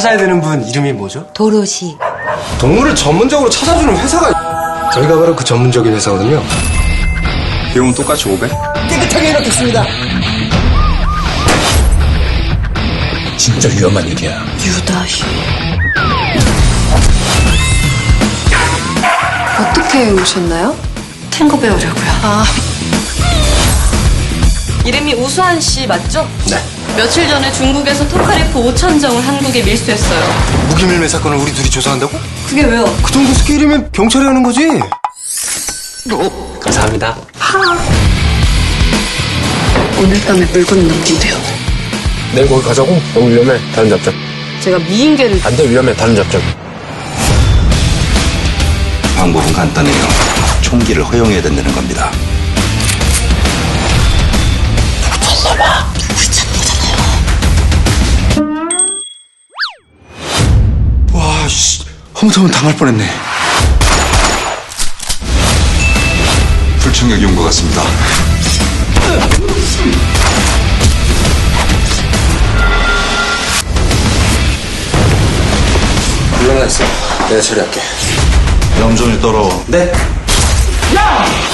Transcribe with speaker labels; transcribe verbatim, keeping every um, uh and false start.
Speaker 1: 찾아야 되는 분 이름이 뭐죠?
Speaker 2: 도로시.
Speaker 1: 동물을 전문적으로 찾아주는 회사가 저희가 바로 그 전문적인 회사거든요.
Speaker 3: 비용은 똑같이 오백?
Speaker 1: 깨끗하게 해놓겠습니다.
Speaker 4: 진짜 위험한 일이야.
Speaker 2: 유다희. 어떻게 오셨나요?
Speaker 5: 탱고 배우려고요.
Speaker 2: 아,
Speaker 5: 이름이 우수한 씨 맞죠?
Speaker 1: 네.
Speaker 5: 며칠 전에 중국에서 토카레프 오천 정을 한국에 밀수했어요.
Speaker 1: 무기밀매 사건을 우리 둘이 조사한다고?
Speaker 5: 그게 왜요?
Speaker 1: 그 정도 스케일이면 경찰이 하는 거지. 감사합니다.
Speaker 5: 오늘 밤에 물건 넘긴대요.
Speaker 4: 내일 거기 가자고? 너무 위험해. 다른 잡자.
Speaker 5: 제가 미인계를
Speaker 4: 안 돼, 위험해. 다른 잡자.
Speaker 3: 방법은 간단해요. 총기를 허용해야 된다는 겁니다.
Speaker 1: 와, 씨. 잘못하면 당할 뻔했네.
Speaker 3: 불청객이 온 것 같습니다.
Speaker 1: 물러나 있어. 내가 처리할게.
Speaker 3: 염전이 떨어.
Speaker 1: 네. 야!